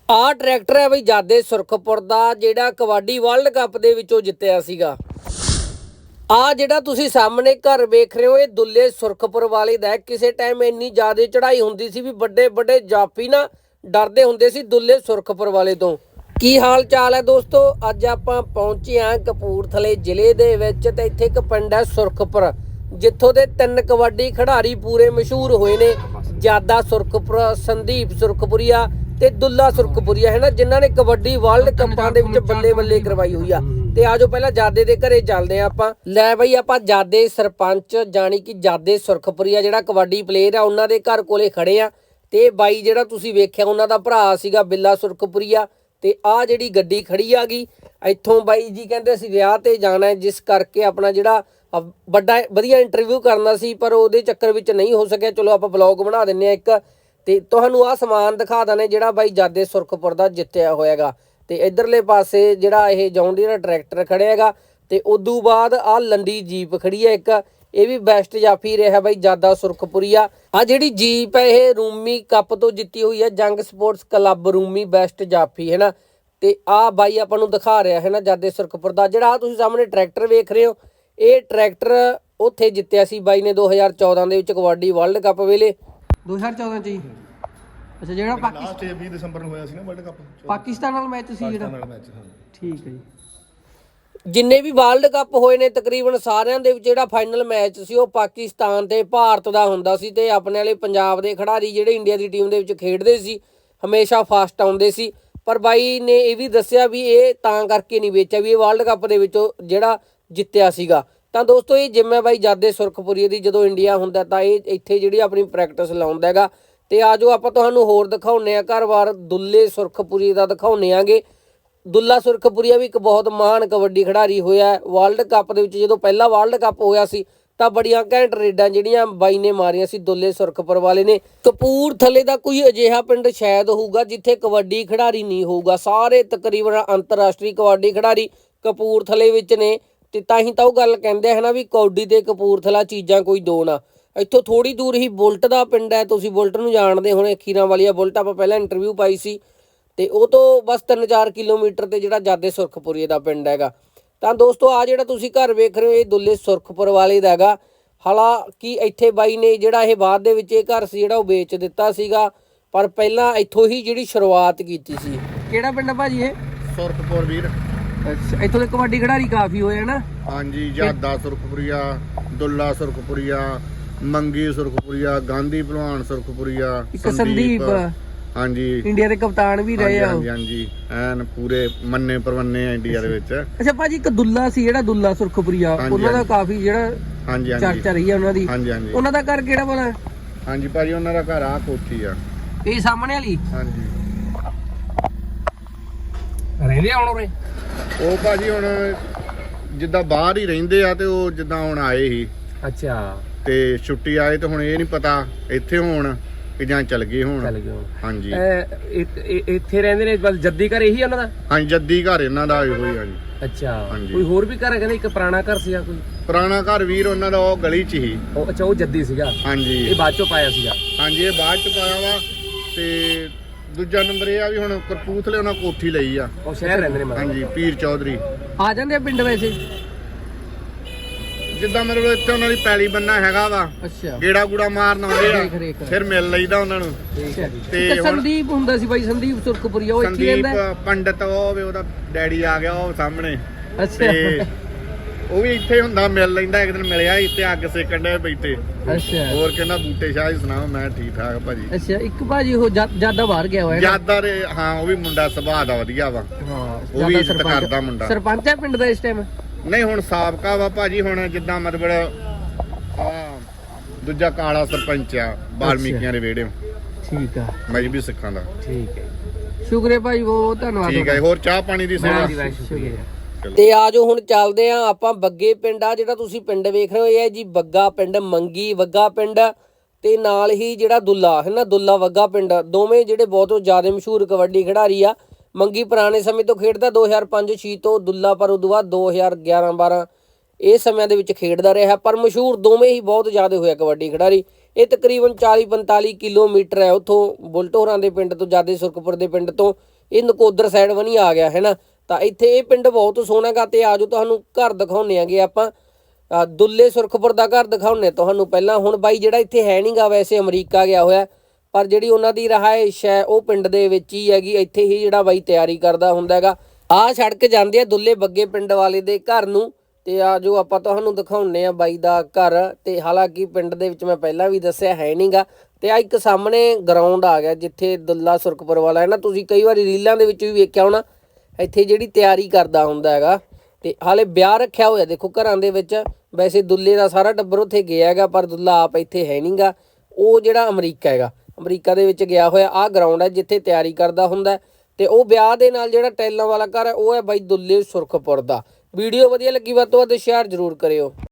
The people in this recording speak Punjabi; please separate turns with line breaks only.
ਆ ਟਰੈਕਟਰ ਹੈ ਬਈ ਜਾਦੇ ਸੁਰਖਪੁਰ ਦਾ, ਜਿਹੜਾ ਕਬੱਡੀ ਵਰਲਡ ਕੱਪ ਦੇ ਵਿੱਚੋਂ ਜਿੱਤਿਆ ਸੀਗਾ। ਆ ਜਿਹੜਾ ਤੁਸੀਂ ਸਾਹਮਣੇ ਘਰ ਵੇਖ ਰਹੇ ਹੋ, ਇਹ ਦੁੱਲੇ ਸੁਰਖਪੁਰ ਵਾਲੇ ਦਾ। ਕਿਸੇ ਟਾਈਮ ਇੰਨੀ ਜ਼ਿਆਦਾ ਚੜ੍ਹਾਈ ਹੁੰਦੀ ਸੀ ਵੀ ਵੱਡੇ ਵੱਡੇ ਜਾਫੀ ਨਾ ਡਰਦੇ ਹੁੰਦੇ ਸੀ ਦੁੱਲੇ ਸੁਰਖਪੁਰ ਵਾਲੇ ਤੋਂ। ਕੀ ਹਾਲ ਚਾਲ ਹੈ ਦੋਸਤੋ? ਅੱਜ ਆਪਾਂ ਪਹੁੰਚੇ ਹਾਂ ਕਪੂਰਥਲੇ ਜ਼ਿਲ੍ਹੇ ਦੇ ਵਿੱਚ, ਤੇ ਇੱਥੇ ਇੱਕ ਪਿੰਡ ਹੈ ਸੁਰਖਪੁਰ, ਜਿੱਥੋਂ ਦੇ 3 ਕਬੱਡੀ ਖਿਡਾਰੀ ਪੂਰੇ ਮਸ਼ਹੂਰ ਹੋਏ ਨੇ। ਜਾਦਾ ਸੁਰਖਪੁਰ, ਸੰਦੀਪ ਸੁਰਖਪੁਰੀਆ ਤੇ ਦੁੱਲਾ ਸੁਰਖਪੁਰੀਆ ਹੈ ਨਾ, ਜਿਨ੍ਹਾਂ ਨੇ ਕਬੱਡੀ ਵਰਲਡ ਕੱਪਾਂ ਦੇ ਵਿੱਚ ਬੱਲੇ ਬੱਲੇ ਕਰਵਾਈ ਹੋਈ ਆ। ਤੇ ਆਜੋ ਪਹਿਲਾਂ ਜਾਦੇ ਦੇ ਘਰੇ ਚੱਲਦੇ ਆ ਆਪਾਂ। ਲੈ ਬਈ ਆਪਾਂ ਜਾਦੇ ਸਰਪੰਚ ਜਾਨੀ ਕਿ ਜਾਦੇ ਸੁਰਖਪੁਰੀਆ ਜਿਹੜਾ ਕਬੱਡੀ ਪਲੇਅਰ ਆ, ਉਹਨਾਂ ਦੇ ਘਰ ਕੋਲੇ ਖੜੇ ਆ। ਤੇ ਬਾਈ ਜਿਹੜਾ ਤੁਸੀਂ ਵੇਖਿਆ ਉਹਨਾਂ ਦਾ ਭਰਾ ਸੀਗਾ ਬਿੱਲਾ ਸੁਰਖਪੁਰੀਆ। ਤੇ ਆ ਜਿਹੜੀ ਗੱਡੀ ਖੜੀ ਆ ਗਈ, ਇੱਥੋਂ ਬਾਈ ਜੀ ਕਹਿੰਦੇ ਅਸੀਂ ਵਿਆਹ ਤੇ ਜਾਣਾ, ਜਿਸ ਕਰਕੇ ਆਪਣਾ ਜਿਹੜਾ ਵੱਡਾ ਵਧੀਆ ਇੰਟਰਵਿਊ ਕਰਨਾ ਸੀ, ਪਰ ਉਹਦੇ ਚੱਕਰ ਵਿੱਚ ਨਹੀਂ ਹੋ ਸਕਿਆ। ਚਲੋ ਆਪਾਂ ਬਲੌਗ ਬਣਾ ਦਿੰਨੇ ਆ ਇੱਕ, ਤੇ ਤੁਹਾਨੂੰ ਆ ਸਮਾਨ ਦਿਖਾ ਦਨੇ ਜਿਹੜਾ ਬਾਈ ਜਾਦੇ ਸੁਰਖਪੁਰ ਦਾ ਜਿੱਤਿਆ ਹੋਇਆਗਾ। ਤੇ ਇਧਰਲੇ ਪਾਸੇ ਜਿਹੜਾ ਇਹ ਜੌਂਡੀ ਦਾ ਟਰੈਕਟਰ ਖੜਿਆ ਹੈਗਾ। ਤੇ ਉਦੋਂ ਬਾਅਦ ਆ ਲੰਡੀ ਜੀਪ ਖੜੀ ਹੈ ਇੱਕ, ਇਹ ਵੀ ਬੈਸਟ ਜਾਫੀ ਰਿਹਾ ਬਾਈ ਜਾਦਾ ਸੁਰਖਪੁਰੀਆ। ਆ ਜਿਹੜੀ ਜੀਪ ਹੈ ਇਹ ਰੂਮੀ ਕੱਪ ਤੋਂ ਜਿੱਤੀ ਹੋਈ ਹੈ, ਜੰਗ ਸਪੋਰਟਸ ਕਲੱਬ ਰੂਮੀ ਬੈਸਟ ਜਾਫੀ ਹੈ ਨਾ। ਤੇ ਆ ਬਾਈ ਆਪਾਂ ਨੂੰ ਦਿਖਾ ਰਿਹਾ ਹੈ ਨਾ ਜਾਦੇ ਸੁਰਖਪੁਰ ਦਾ। ਜਿਹੜਾ ਆ ਤੁਸੀਂ ਸਾਹਮਣੇ ਟਰੈਕਟਰ ਵੇਖ ਰਹੇ ਹੋ, ਇਹ ਟਰੈਕਟਰ ਉੱਥੇ ਜਿੱਤਿਆ ਸੀ ਬਾਈ ਨੇ 2014 ਦੇ ਵਿੱਚ ਕਬੱਡੀ ਵਰਲਡ ਕੱਪ ਵੇਲੇ। 2014 ਚ ਹੀ ਅੱਛਾ, ਜਿਹੜਾ
ਲਾਸਟ 20 ਦਸੰਬਰ ਨੂੰ ਹੋਇਆ ਸੀ ਨਾ ਵਰਲਡ ਕੱਪ,
ਪਾਕਿਸਤਾਨ ਨਾਲ ਮੈਚ ਸੀ ਜਿਹੜਾ।
ਮੈਚ ਹਾਂ
ਠੀਕ ਹੈ ਜੀ। ਜਿੰਨੇ ਵੀ ਵਰਲਡ ਕੱਪ ਹੋਏ ਨੇ ਤਕਰੀਬਨ ਸਾਰਿਆਂ ਦੇ ਵਿੱਚ ਜਿਹੜਾ ਫਾਈਨਲ ਮੈਚ ਸੀ ਉਹ ਪਾਕਿਸਤਾਨ ਤੇ ਭਾਰਤ ਦਾ ਹੁੰਦਾ ਸੀ। ਤੇ ਆਪਣੇ ਵਾਲੇ ਪੰਜਾਬ ਦੇ ਖਿਡਾਰੀ ਜਿਹੜੇ ਇੰਡੀਆ ਦੀ ਟੀਮ ਦੇ ਵਿੱਚ ਖੇਡਦੇ ਸੀ ਹਮੇਸ਼ਾ ਫਸਟ ਆਉਂਦੇ ਸੀ। ਪਰ ਬਾਈ ਨੇ ਇਹ ਵੀ ਦੱਸਿਆ ਵੀ ਇਹ ਤਾਂ ਕਰਕੇ ਨਹੀਂ ਵੇਚਿਆ ਵੀ ਇਹ ਵਰਲਡ ਕੱਪ ਦੇ ਵਿੱਚੋਂ ਜਿਹੜਾ ਜਿੱਤਿਆ ਸੀਗਾ। ਤਾਂ ਦੋਸਤੋ ਇਹ ਜਿੰਮ ਹੈ ਬਾਈ ਜਾਦੇ ਸੁਰਖਪੁਰੀਏ ਦੀ। ਜਦੋਂ ਇੰਡੀਆ ਹੁੰਦਾ ਤਾਂ ਇਹ ਇੱਥੇ ਜਿਹੜੀ ਆਪਣੀ ਪ੍ਰੈਕਟਿਸ ਲਾਉਂਦਾ ਹੈਗਾ। ਤੇ ਆਜੋ ਆਪਾਂ ਤੁਹਾਨੂੰ ਹੋਰ ਦਿਖਾਉਂਦੇ ਆ ਘਰ-ਬਾਰ ਦੁੱਲੇ ਸੁਰਖਪੁਰੀਏ ਦਾ ਦਿਖਾਉਂਦੇ ਆਂਗੇ। ਦੁੱਲਾ ਸੁਰਖਪੁਰੀਆ ਵੀ ਇੱਕ ਬਹੁਤ ਮਹਾਨ ਕਬੱਡੀ ਖਿਡਾਰੀ ਹੋਇਆ ਵਰਲਡ ਕੱਪ ਦੇ ਵਿੱਚ। ਜਦੋਂ ਪਹਿਲਾ ਵਰਲਡ ਕੱਪ ਹੋਇਆ ਸੀ ਤਾਂ ਬੜੀਆਂ ਘੈਂਟ ਰੇਡਾਂ ਜਿਹੜੀਆਂ ਬਾਈ ਨੇ ਮਾਰੀਆਂ ਸੀ ਦੁੱਲੇ ਸੁਰਖਪੁਰ ਵਾਲੇ ਨੇ। ਕਪੂਰਥਲੇ ਦਾ ਕੋਈ ਅਜਿਹਾ ਪਿੰਡ ਸ਼ਾਇਦ ਹੋਊਗਾ ਜਿੱਥੇ ਕਬੱਡੀ ਖਿਡਾਰੀ ਨਹੀਂ ਹੋਊਗਾ। ਸਾਰੇ ਤਕਰੀਬਨ ਅੰਤਰਰਾਸ਼ਟਰੀ ਕਬੱਡੀ ਖਿਡਾਰੀ ਕਪੂਰਥਲੇ ਵਿੱਚ ਨੇ। ਤੇ ਤਾਂ ਹੀ ਤਾਂ ਉਹ ਗੱਲ ਕਹਿੰਦੇ ਹੈ ਨਾ ਵੀ ਕੌਡੀ ਤੇ ਕਪੂਰਥਲਾ ਚੀਜ਼ਾਂ ਕੋਈ ਦੋ ਨਾ। ਇੱਥੋਂ ਥੋੜੀ ਦੂਰ ਹੀ ਬੁਲਟ ਦਾ ਪਿੰਡ ਹੈ, ਤੁਸੀਂ ਬੁਲਟ ਨੂੰ ਜਾਣਦੇ ਹੋਣੇ, ਖੀਰਾਂ ਵਾਲੀਆ ਬੁਲਟ ਆਪਾਂ ਪਹਿਲਾਂ ਇੰਟਰਵਿਊ ਪਾਈ ਸੀ। ਤੇ ਉਹ ਤੋਂ ਬਸ 3-4 ਕਿਲੋਮੀਟਰ ਤੇ ਜਿਹੜਾ ਜਾਦੇ ਸੁਰਖਪੁਰੀਏ ਦਾ ਪਿੰਡ ਹੈਗਾ। ਤਾਂ ਦੋਸਤੋ ਆ ਜਿਹੜਾ ਤੁਸੀਂ ਘਰ ਵੇਖ ਰਹੇ ਹੋ ਇਹ ਦੁੱਲੇ ਸੁਰਖਪੁਰ ਵਾਲੇ ਦਾ ਹੈਗਾ। ਹਾਲਾਂਕਿ ਇੱਥੇ ਬਾਈ ਨੇ ਜਿਹੜਾ ਇਹ ਬਾਅਦ ਦੇ ਵਿੱਚ ਇਹ ਘਰ ਸੀ ਜਿਹੜਾ ਉਹ ਵੇਚ ਦਿੱਤਾ ਸੀਗਾ, ਪਰ ਪਹਿਲਾਂ ਇੱਥੋਂ ਹੀ ਜਿਹੜੀ ਸ਼ੁਰੂਆਤ ਕੀਤੀ ਸੀ। ਕਿਹੜਾ ਪਿੰਡ ਭਾਜੀ ਇਹ?
ਸੁਰਖਪੁਰ ਵੀਰ।
ਅੱਛਾ, ਇੱਥੋਂ ਦੇ ਕਬੱਡੀ ਖਿਡਾਰੀ ਕਾਫੀ ਹੋਏ ਨਾ।
ਹਾਂਜੀ, ਜਾਦਾ ਸੁਰਖਪੁਰੀਆ, ਦੁੱਲਾ ਸੁਰਖਪੁਰੀਆ, ਮੰਗੀ ਸੁਰਖਪੁਰੀਆ, ਗਾਂਧੀ ਭਲਵਾਨ ਸੁਰਖਪੁਰੀਆ,
ਇੱਕ ਸੰਦੀਪ
ਹਾਂਜੀ
ਇੰਡੀਆ ਦੇ ਕਪਤਾਨ ਵੀ ਰਹੇ ਆ।
ਹਾਂਜੀ ਹਾਂਜੀ, ਐਨ ਪੂਰੇ ਮੰਨੇ ਪਰਵੰਨੇ ਆ ਇੰਡੀਆ ਦੇ ਵਿੱਚ।
ਅੱਛਾ ਭਾਜੀ, ਇੱਕ ਦੁੱਲਾ ਸੀ ਜਿਹੜਾ ਦੁੱਲਾ ਸੁਰਖਪੁਰੀਆ, ਉਹਨਾਂ ਦਾ ਕਾਫੀ ਜਿਹੜਾ
ਹਾਂਜੀ ਹਾਂਜੀ
ਚਰਚਾ ਰਹੀ ਆ ਉਹਨਾਂ ਦੀ।
ਹਾਂਜੀ ਹਾਂਜੀ,
ਉਹਨਾਂ ਦਾ ਘਰ ਕਿਹੜਾ ਬਣਾ?
ਹਾਂਜੀ ਭਾਜੀ, ਉਹਨਾਂ ਦਾ ਘਰ ਆ ਕੋਠੀ ਆ
ਇਹ ਸਾਹਮਣੇ ਵਾਲੀ।
ਹਾਂਜੀ,
ਰਹਿੰਦੇ ਆ ਹੁਣ ਉਰੇ?
ਉਹ ਭਾਜੀ ਹੁਣ ਜਿੱਦਾਂ ਬਾਹਰ ਹੀ ਰਹਿੰਦੇ ਆ, ਤੇ ਉਹ ਜਿੱਦਾਂ ਹੁਣ ਆਏ ਸੀ
ਅੱਛਾ,
ਤੇ ਛੁੱਟੀ ਆਏ, ਤੇ ਹੁਣ ਇਹ ਨਹੀਂ ਪਤਾ ਇੱਥੇ ਹੋਣ ਕਿ ਜਾਂ ਚਲ ਗਏ ਹੁਣ। ਹਾਂਜੀ,
ਇੱਥੇ ਰਹਿੰਦੇ ਨੇ ਬਸ। ਜੱਦੀ ਘਰ ਇਹੀ ਉਹਨਾਂ ਦਾ?
ਹਾਂਜੀ, ਜੱਦੀ ਘਰ ਇਹਨਾਂ ਦਾ ਇਹੋ ਹੀ ਆ ਜੀ।
ਅੱਛਾ,
ਹਾਂਜੀ।
ਕੋਈ ਹੋਰ ਵੀ ਘਰ ਹੈ? ਕਹਿੰਦੇ ਇੱਕ ਪੁਰਾਣਾ ਘਰ ਸੀਗਾ ਕੋਈ।
ਪੁਰਾਣਾ ਘਰ ਵੀਰ ਉਹਨਾਂ ਦਾ ਉਹ ਗਲੀ 'ਚ ਹੀ।
ਉਹ ਅੱਛਾ, ਉਹ ਜੱਦੀ ਸੀਗਾ।
ਹਾਂਜੀ,
ਇਹ ਬਾਅਦ ਚੋਂ ਪਾਇਆ ਸੀਗਾ।
ਹਾਂਜੀ, ਇਹ ਬਾਅਦ 'ਚ ਪਾਇਆ ਵਾ। ਤੇ ਦੂਜਾ ਨੰਬਰ ਇਹ ਆ ਵੀ ਹੁਣ ਕਪੂਰਥਲੇ ਉਹਨਾਂ ਕੋਠੀ ਲਈ ਆ।
ਉਹ ਸ਼ਹਿਰ ਰਹਿੰਦੇ ਨੇ?
ਹਾਂਜੀ, ਪੀਰ ਚੌਧਰੀ
ਆ ਜਾਂਦੇ ਆ ਪਿੰਡ ਵੈਸੇ?
ਜਿੱਦਾਂ ਮਤਲਬ ਇੱਥੇ ਉਹਨਾਂ ਦੀ ਪੈਲੀ ਬੰਨਾ ਹੈਗਾ ਵਾ,
ਅੱਛਾ,
ਗੇੜਾ ਗੂੜਾ ਮਾਰਨ ਆਉਂਦੇ ਆ, ਫਿਰ ਮਿਲ ਲਈਦਾ ਉਹਨਾਂ ਨੂੰ।
ਤੇ ਸੰਦੀਪ ਹੁੰਦਾ ਸੀ ਬਾਈ, ਸੰਦੀਪ ਸੁਰਖਪੁਰੀਆ, ਉਹ ਇੱਥੇ ਰਹਿੰਦਾ?
ਸੰਦੀਪ ਪੰਡਤ, ਉਹ ਉਹਦਾ ਡੈਡੀ ਆ ਗਿਆ ਉਹ ਸਾਹਮਣੇ।
ਅੱਛਾ,
ਉਹ ਵੀ ਇੱਥੇ ਹੁੰਦਾ, ਮਿਲ ਲੈਂਦਾ। ਇੱਕ ਦਿਨ ਮਿਲਿਆ ਇੱਥੇ ਅੱਗ ਸੇਕਣ ਦੇ ਬੈਠੇ।
ਅੱਛਾ,
ਹੋਰ ਕਹਿੰਦਾ ਬੂਟੇ ਸ਼ਾਹ ਜੀ ਸੁਣਾਓ? ਮੈਂ ਠੀਕ ਠਾਕ ਭਾਜੀ।
ਅੱਛਾ, ਇੱਕ ਭਾਜੀ ਉਹ ਜਾਦਾ ਬਾਹਰ ਗਿਆ ਹੋਇਆ?
ਜਾਦਾ ਦੇ, ਹਾਂ, ਉਹ ਵੀ ਮੁੰਡਾ ਸੁਭਾਅ ਦਾ ਵਧੀਆ ਵਾ।
ਹਾਂ,
ਉਹ ਵੀ ਇੱਜ਼ਤ ਕਰਦਾ ਮੁੰਡਾ।
ਸਰਪੰਚ ਹੈ ਪਿੰਡ ਦਾ ਇਸ ਟਾਈਮ?
ਨਹੀਂ, ਹੁਣ ਸਾਬਕਾ ਵਾ ਭਾਜੀ। ਹੁਣ ਜਿੱਦਾਂ ਮਤਲਬ ਦੂਜਾ ਕਾਲਾ ਸਰਪੰਚ ਆ ਬਾਲਮੀਕੀਆਂ ਦੇ ਵਿਹੜੇ। ਠੀਕ ਆ, ਮਜਬੀ ਸਿੱਖਾਂ ਦਾ। ਠੀਕ ਹੈ,
ਸ਼ੁਕਰੀਆ ਭਾਈ, ਬਹੁਤ ਧੰਨਵਾਦ।
ਠੀਕ ਹੈ, ਹੋਰ ਚਾਹ ਪਾਣੀ ਦੀ ਸੇਵਾ?
ਤੇ ਆਜੋ ਹੁਣ ਚੱਲਦੇ ਆ ਆਪਾਂ ਬੱਗੇ ਪਿੰਡ। ਆ ਜਿਹੜਾ ਤੁਸੀਂ ਪਿੰਡ ਵੇਖ ਰਹੇ ਹੋ ਇਹ ਹੈ ਜੀ ਬੱਗਾ ਪਿੰਡ, ਮੰਗੀ ਵੱਗਾ ਪਿੰਡ, ਤੇ ਨਾਲ ਹੀ ਜਿਹੜਾ ਦੁੱਲਾ ਹੈ ਨਾ, ਦੁੱਲਾ ਵੱਗਾ ਪਿੰਡ। ਦੋਵੇਂ ਜਿਹੜੇ ਬਹੁਤ ਜ਼ਿਆਦਾ ਮਸ਼ਹੂਰ ਕਬੱਡੀ ਖਿਡਾਰੀ ਆ। ਮੰਗੀ ਪੁਰਾਣੇ ਸਮੇਂ ਤੋਂ ਖੇਡਦਾ 2005-06 ਤੋਂ, ਦੁੱਲਾ ਪਰ ਉਦੋਂ ਬਾਅਦ 2011-12 ਇਹ ਸਮਿਆਂ ਦੇ ਵਿੱਚ ਖੇਡਦਾ ਰਿਹਾ। ਪਰ ਮਸ਼ਹੂਰ ਦੋਵੇਂ ਹੀ ਬਹੁਤ ਜ਼ਿਆਦਾ ਹੋਇਆ ਕਬੱਡੀ ਖਿਡਾਰੀ। ਇਹ ਤਕਰੀਬਨ 40-45 ਕਿਲੋਮੀਟਰ ਹੈ ਉੱਥੋਂ ਬੁਲਟ ਹੋਰਾਂ ਦੇ ਪਿੰਡ ਤੋਂ, ਜਾਦੇ ਸੁਰਖਪੁਰ ਦੇ ਪਿੰਡ ਤੋਂ। ਇਹ ਨਕੋਦਰ ਸਾਈਡ ਬਣੀ ਆ ਗਿਆ ਹੈ ਨਾ। ਤਾਂ ਇੱਥੇ ਇਹ ਪਿੰਡ ਬਹੁਤ ਸੋਹਣਾ ਗਾ ਤੇ ਆਜੋ ਤੁਹਾਨੂੰ ਘਰ ਦਿਖਾਉਂਦੇ ਆਂਗੇ ਆਪਾਂ। ਦੁੱਲੇ ਸੁਰਖਪੁਰ ਦਾ ਘਰ ਦਿਖਾਉਂਦੇ ਤੁਹਾਨੂੰ ਪਹਿਲਾਂ। ਹੁਣ ਬਾਈ ਜਿਹੜਾ ਇੱਥੇ ਹੈ ਨਹੀਂ ਗਾ, ਵੈਸੇ ਅਮਰੀਕਾ ਗਿਆ ਹੋਇਆ, ਪਰ ਜਿਹੜੀ ਉਹਨਾਂ ਦੀ ਰਿਹਾਇਸ਼ ਹੈ ਉਹ ਪਿੰਡ ਦੇ ਵਿੱਚ ਹੀ ਹੈਗੀ। ਇੱਥੇ ਹੀ ਜਿਹੜਾ ਬਾਈ ਤਿਆਰੀ ਕਰਦਾ ਹੁੰਦਾ ਹੈਗਾ। ਆਹ ਸੜਕ ਜਾਂਦੀ ਆ ਦੁੱਲੇ ਬੱਗੇ ਪਿੰਡ ਵਾਲੇ ਦੇ ਘਰ ਨੂੰ। ਤੇ ਆ ਜੋ ਆਪਾਂ ਤੁਹਾਨੂੰ ਦਿਖਾਉਂਦੇ ਆ ਬਾਈ ਦਾ ਘਰ। ਤੇ ਹਾਲਾਂਕਿ ਪਿੰਡ ਦੇ ਵਿੱਚ ਮੈਂ ਪਹਿਲਾਂ ਵੀ ਦੱਸਿਆ ਹੈ ਨਹੀਂਗਾ। ਤੇ ਆ ਇੱਕ ਸਾਹਮਣੇ ਗਰਾਊਂਡ ਆ ਗਿਆ ਜਿੱਥੇ ਦੁੱਲਾ ਸੁਰਖਪੁਰ ਵਾਲਾ ਹੈ ਨਾ, ਤੁਸੀਂ ਕਈ ਵਾਰੀ ਰੀਲਾਂ ਦੇ ਵਿੱਚ ਵੀ ਵੇਖਿਆ ਹੋਣਾ, ਇੱਥੇ ਜਿਹੜੀ ਤਿਆਰੀ ਕਰਦਾ ਹੁੰਦਾ ਹੈਗਾ। ਤੇ ਹਾਲੇ ਵਿਆਹ ਰੱਖਿਆ ਹੋਇਆ ਦੇਖੋ ਘਰਾਂ ਦੇ ਵਿੱਚ। ਵੈਸੇ ਦੁੱਲੇ ਦਾ ਸਾਰਾ ਟੱਬਰ ਉੱਥੇ ਗਿਆ ਹੈਗਾ, ਪਰ ਦੁੱਲਾ ਆਪ ਇੱਥੇ ਹੈ ਨਹੀਂਗਾ। ਉਹ ਜਿਹੜਾ ਅਮਰੀਕਾ ਹੈਗਾ, ਅਮਰੀਕਾ ਦੇ ਵਿੱਚ ਗਿਆ ਹੋਇਆ। ਆਹ ਗਰਾਊਂਡ ਹੈ ਜਿੱਥੇ ਤਿਆਰੀ ਕਰਦਾ ਹੁੰਦਾ। ਤੇ ਉਹ ਵਿਆਹ ਦੇ ਨਾਲ ਜਿਹੜਾ ਟੈਲਾਂ ਵਾਲਾ ਘਰ ਹੈ ਉਹ ਹੈ ਬਾਈ ਦੁੱਲੇ ਸੁਰਖਪੁਰ ਦਾ। ਵੀਡੀਓ ਵਧੀਆ ਲੱਗੀ ਵੱਧ ਤੋਂ ਵੱਧ ਸ਼ੇਅਰ ਜ਼ਰੂਰ ਕਰਿਓ।